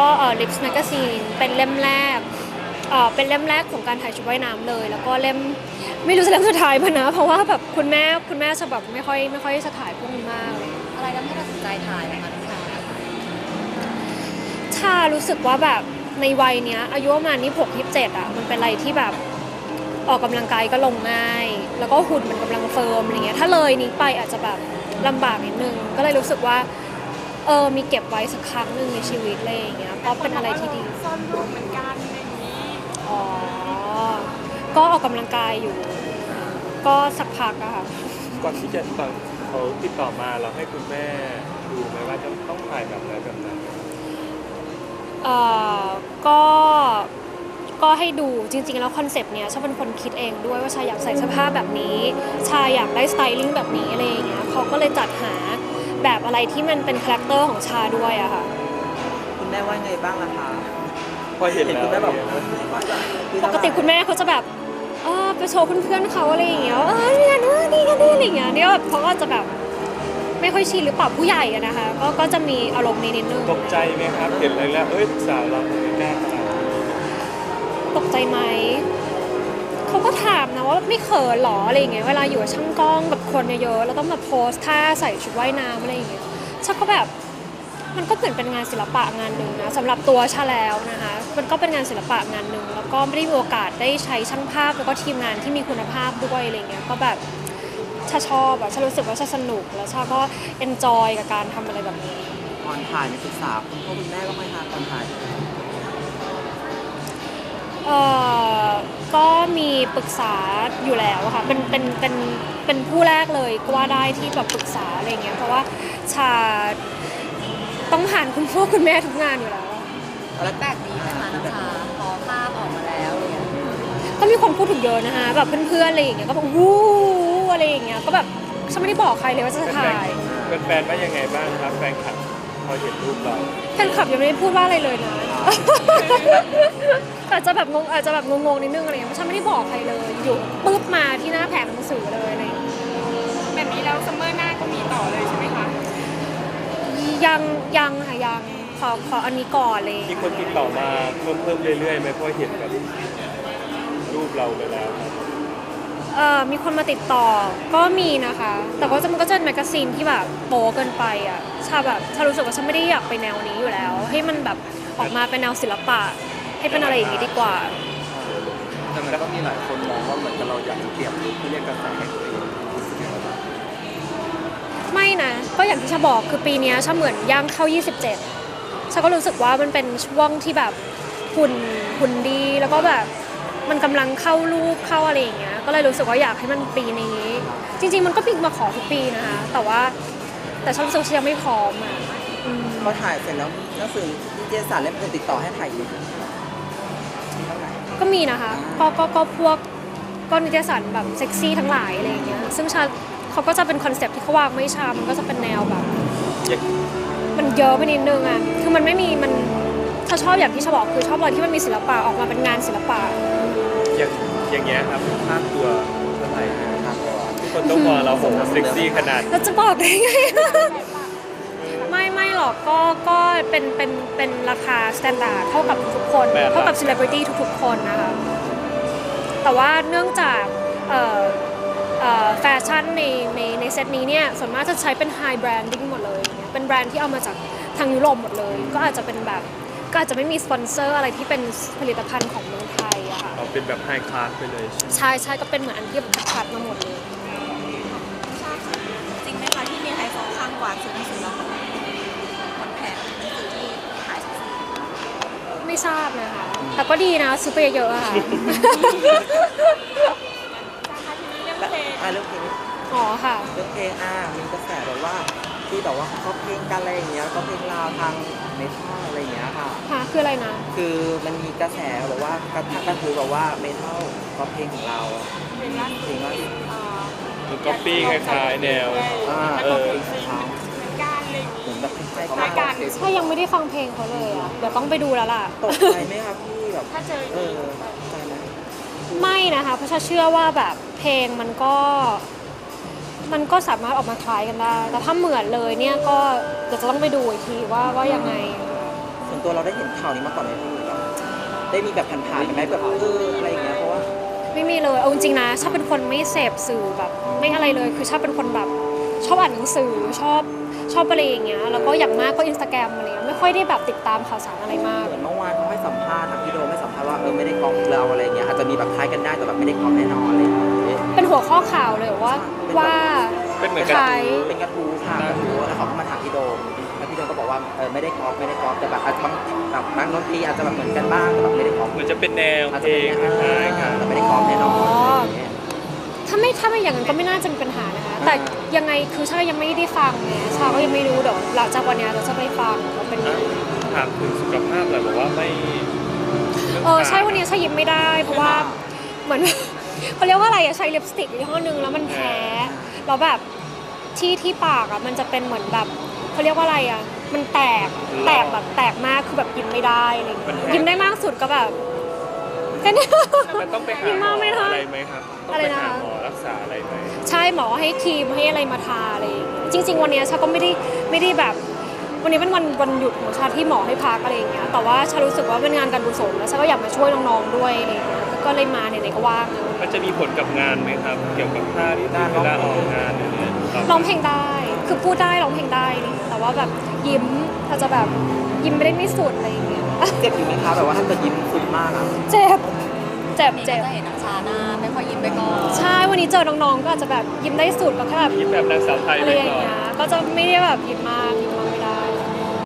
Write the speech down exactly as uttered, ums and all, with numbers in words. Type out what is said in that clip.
เอ่อ Lips Magazine เป็นเล่มแรกเอ่อเป็นเล่มแรกของการถ่ายชุดว่ายน้ำเลยแล้วก็เล่มไม่รู้จะเล่มสุดท้ายป่ะนะเพราะว่าแบบคุณแม่คุณแม่จะแบบไม่ค่อยไม่ค่อยจะถ่ายพวกนี้มากเลยอะไรทำให้ตัดสินใจถ่ายนะคะน้องชาชารู้สึกว่าแบบในวัยเนี้ยอายุประมาณนี้หก ยี่สิบเจ็ดอ่ะมันเป็นอะไรที่แบบออกกำลังกายก็ลงง่ายแล้วก็หุ่นมันกำลังเฟิร์มอะไรเงี้ยถ้าเลยนี้ไปอาจจะแบบลำบากนิดนึงก็เลยรู้สึกว่าเออมีเก็บไว้สักครั้งหนึ่งในชีวิตอะไรอย่างเงี้ยเพราะเป็นอะไรที่ดีซ่อนรูปเหมือนกันอย่างนี้อ๋อก็ออกกำลังกายอยู่ก็สักพักอะค่ะก่อนที่จะตอนเขาติดต่อมาเราให้คุณแม่ดูไหมว่าจะต้องถ่ายแบบไหนแบบไหนเอ่อก็ก็ให้ดูจริงๆแล้วคอนเซปต์เนี้ยชาเป็นคนคิดเองด้วยว่าชาอยากใส่เสื้อผ้าแบบนี้ชาอยากได้สไตลิ่งแบบนี้อะไรอย่างเงี้ยเขาก็เลยจัดหาแบบอะไรที่มันเป็นคาแรคเตอร์ของชาด้วยอะค่ะคุณแม่ว่าไงบ้างล่ะคะพอเห็นแล้วคุณแม่แบบปกติคุณแม่เขาจะแบบเออไปโชว์เพื่อนๆเขาอะไรอย่างเงี้ยเออเนี่ยนู่นนี่กันนี่อะไรอย่างเงี้ยเนี่ยเขาก็จะแบบไม่ค่อยชินหรือเปล่าผู้ใหญ่อะนะคะก็ก็จะมีอารมณ์นิดนึงตกใจไหมครับเห็นอะไรแล้วเอ้ยสาวเราไม่กล้าขนาดนี้ตกใจไหมเขาก็ถามนะว่าไม่เขินหรออะไรอย่างเงี้ยเวลาอยู่กับช่างกล้องกับคนเยอะๆแล้วต้องมาโพสท่าใส่ชุดว่ายน้ำอะไรอย่างเงี้ยชาก็แบบมันก็เหมือนเป็นงานศิลปะงานหนึ่งนะสำหรับตัวชาแล้วนะคะมันก็เป็นงานศิลปะงานหนึ่งแล้วก็ไม่ได้มีโอกาสได้ใช้ช่างภาพแล้วก็ทีมงานที่มีคุณภาพด้วยอะไรเงี้ยก็แบบชาชอบอะชารู้สึกว่าชาสนุกแล้วชาก็เอนจอยกับการทำอะไรแบบนี้ตอนถ่ายมีศึกษาคุณพ่อคุณแม่บ้างไหมคะตอนถ่ายเอ่อก็มีปรึกษาอยู่แล้วค่ะเป็นเป็นเป็นเป็นผู้แรกเลยก็ว่าได้ที่แบบปรึกษาอะไรเงี้ยเพราะว่าชาต้องผ่านคุณพ่อคุณแม่ทุกงานอยู่แล้วแล้วแปลกดีไหมคะน้องชาพอภาพออกมาแล้วเนี่ยก็มีคนพูดถึงเยอะนะคะแบบเพื่อนๆอะไรอย่างเงี้ยก็แบบวู้อะไรอย่างเงี้ยก็แบบฉันไม่ได้บอกใครเลยว่าจะถ่ายเป็นแฟนว่ายังไงบ้างครับแฟนคลับพอเห็นรูปเราแฟนคลับยังไม่ได้พูดว่าอะไรเลยนะอาจจะแบบงงอาจจะแบบงงๆนิดนึงอะไรอย่างเงี้ยเพราะฉันไม่ได้บอกใครเลยอยู่ปุ๊บมาที่หน้าแผงหนังสือเลยอะไรแบบนี้แล้วซัมเมอร์หน้าก็มีต่อเลยใช่ไหมคะยังยังค่ะยังขอขออันนี้ก่อนเลยมีคนติดต่อมาเพิ่มเพิ่มเรื่อยๆไหมเพราะเห็นแบบรูปเราไปแล้วเอ่อมีคนมาติดต่อก็มีนะคะแต่ว่ามันก็จะเป็นแมกกาซีนที่แบบโป๊เกินไปอ่ะชาแบบชารู้สึกว่าฉันไม่ได้อยากไปแนวนี้อยู่แล้วให้มันแบบออกมาเป็นแนวศิลปะให้เป็นอะไรอย่างนี้ดีกว่าแต่มันก็มีหลายคนมองว่าเหมือนกับเราอยากจะเปลี่ยนลุคเพื่อเรียกกระแสให้ตัวเองไม่นะก็อย่างที่ชาบอกคือปีนี้ชาเหมือนย่างเข้ายี่สิบเจ็ดชาก็รู้สึกว่ามันเป็นช่วงที่แบบหุ่นหุ่นดีแล้วก็แบบมันกำลังเข้าลูกเข้าอะไรอย่างเงี้ยก็เลยรู้สึกว่าอยากให้มันปีนี้จริงๆมันก็ปีมาขอทุกปีนะคะแต่ว่าแต่ชารู้สึกว่ายังไม่พร้อมอ่ะพอถ่ายเสร็จแล้วหนังสือนิตยสารเล่มอื่นติดต่อให้ถ่ายอีกก็มีนะคะก็ก็ก็พวกก็นิตยสารแบบเซ็กซี่ทั้งหลายอะไรอย่างเงี้ยซึ่งชาเขาก็จะเป็นคอนเซ็ปต์ที่เขาวางไม่ชามันก็จะเป็นแนวแบบมันเยอะไปนิดนึงอ่ะคือมันไม่มีมันถ้าชอบอย่างที่ชาบอกคือชอบอะไรที่มันมีศิลปะออกมาเป็นงานศิลปะอย่างอย่างเงี้ยครับภาพตัวเท่าไหร่ครับทุกคนต้องมองเราโหเซ็กซี่ขนาดเราจะบอกได้ไงไม่ไม่หรอกก็ก็เป็นเป็นเป็นราคาสแตนดาร์ดเท่ากับทุกคนเท่ากับเซเลบริตี้ทุกๆคนนะคะแต่ว่าเนื่องจากเอ่อเอ่อแฟชั่นในในในเซตนี้เนี่ยส่วนมากจะใช้เป็นไฮแบรนดิ้งหมดเลยเป็นแบรนด์ที่เอามาจากทางยุโรปหมดเลยก็อาจจะเป็นแบบก็อาจจะไม่มีสปอนเซอร์อะไรที่เป็นผลิตภัณฑ์ของเมืองไทยอะค่ะเอาเป็นแบบไฮคลาสไปเลยใช่ใช่ก็เป็นเหมือนอันที่คัดมาหมดเลยจริงไหมคะที่มีไฮโซข้างกว่าซื้อหนังสือเราหมดแผงหนังสือที่ขายซื้อไม่ทราบนะคะแต่ก็ดีนะซื้อไปเยอะๆค่ะอ่าเรื่องเพลงอ๋อค่ะเรื่องเพลงอ่ามีกระแสแบบว่าที่แบบว่าเขาเพลงกันอะไรอย่างเงี้ยก็เพลงลาวทางเมทัลอะไรอย่างเงี้ยค่ะค่ะคืออะไรนะคือมันมีกระแสบอกว่ากระทั่งก็คือแบบว่าเมทัลก็เพลงของเราเพลงล่าสุดเพลงว่าคือก๊อปปี้คล้ายๆแนวอ่าเออเหมือนกันเลยเหมือนแบบคล้ายๆกันใช่ยังไม่ได้ฟังเพลงเขาเลยอ่ะเดี๋ยวต้องไปดูแล้วล่ะตกใจไหมครับพี่แบบถ้าเจอเออใจไหมไม่นะคะเพราะฉันเชื่อว่าแบบเพลงมันก็มันก็สามารถออกมาคล้ายกันได้แต่ถ้าเหมือนเลยเนี่ยก็เดี๋ยวจะต้องไปดูอีกทีว่าว่ายังไงส่วนตัวเราได้เห็นข่าวนี้มาก่อนไหมพี่แบบได้มีแบบผ่านๆกันไหมแบบเอออะไรอย่างเงี้ยเพราะว่าไม่มีเลยเอาจริงๆนะชอบเป็นคนไม่เสพสื่อแบบไม่อะไรเลยคือชอบเป็นคนแบบชอบอ่านหนังสือชอบชอบอะไรอย่างเงี้ยแล้วก็อย่างมากก็อินสตาแกรมอะไรเงี้ยไม่ค่อยได้แบบติดตามข่าวสารอะไรมากเหมือนเมื่อวานเขาให้สัมภาษณ์ทางพี่โดมให้สัมภาษณ์ว่าเออไม่ได้ก๊อปเราอะไรเงี้ยอาจจะมีแบบคล้ายกันได้แต่แบบไม่ได้ก๊อปแน่นอนอะไรอย่างเงี้ยเป็นหัวข้อข่าวเลยว่าว่าเป็นเหมือนคกันล้ายเป็นกระทู้ค่ะกระทู้แล้วเขาก็มาถามพี่โดมแล้วพี่โดมก็บอกว่าเออไม่ได้ก๊อปไม่ได้ก๊อปแต่แบบอาจจะบางแบบบางดนตรีอาจจะแบบเหมือนกันบ้างแต่แบบไม่ได้ก๊อปเหมือนจะเป็นแนวอาจเพจะลเป็นงแนวคล้ายๆกันแต่ไม่ได้ก๊อปแน่นอนอะไรอย่างเงี้ยถ้าไม่ถ้าไม่อย่างนั้นก็ไม่น่าจะมีปัญหานะคะแต่ยังไงคือชาก็ยังไม่ได้ฟังไงชาก็ยังไม่รู้เดี๋ยวหลังจากวันเนี้ยเราจะไปฟังว่าเป็นยังไงถามถึงสุขภาพเลยบอกว่าไม่เออใช่วันนี้ชายิ้มไม่ได้ เพราะว่าเหมือน เขาเรียกว่าอะไรอะใช้ลิปสติกยี่ห้อนึงแล้วมันแพ้แล้วแบบที่ที่ปากอะมันจะเป็นเหมือนแบบเขาเรียกว่าอะไรอะมันแตกแตกแบบแตกมากคือแบบยิ้มไม่ได้อะไรอย่างเงี้ยยิ้มได้มากสุดก็แบบแค่เนี้ยมันต้องไปหายิ้มหมอมากไม่ได้อะไรไหมครับต้องอะไรไปนะหาหมอรักษาอะไรไหมใช่หมอให้ครีมให้อะไรมาทาอะไรอย่างเงี้ยจริง ๆ วันเนี้ยชาก็ไม่ได้ไม่ได้แบบ วันนี้เป็นวันวันหยุดของชาที่หมอให้พักอะไรอย่างเงี้ยแต่ว่าชารู้สึกว่าเป็นงานการกุศลแล้วชาก็อยากมาช่วยน้องๆด้วยอะไรอย่างเงี้ยก็เลยมาไหนๆก็ว่างนะมันจะมีผลกับงานไหมครับ เกี่ยวกับท่าที่เวลาออกงานอย่างเงี้ยคบร้องเพลงได้ คือพูดได้ร้องเพลงได้นี่แต่ว่าแบบยิ้มถ้าจะแบบยิ้มไม่ได้ไม่สุดอะไรอย่างเงี้ยเจ็บอยู่ไหมคะแบบว่าถ้าเกิดยิ้มสุดมากอะเจ็บ เจ็บนี่ก็เจ็บจะเห็นน้ำชาหน้าไม่ค่อยยิ้มไปก่อนใช่ วันนี้เจอน้องๆ ก็อาจจะแบบยิ้มได้สุดก็แค่แบบยิ้มแบบนางสาวไทยอะไปไรอย่างก่อนเงี้ย ก็จะไม่ได้แบบยิ้มมาก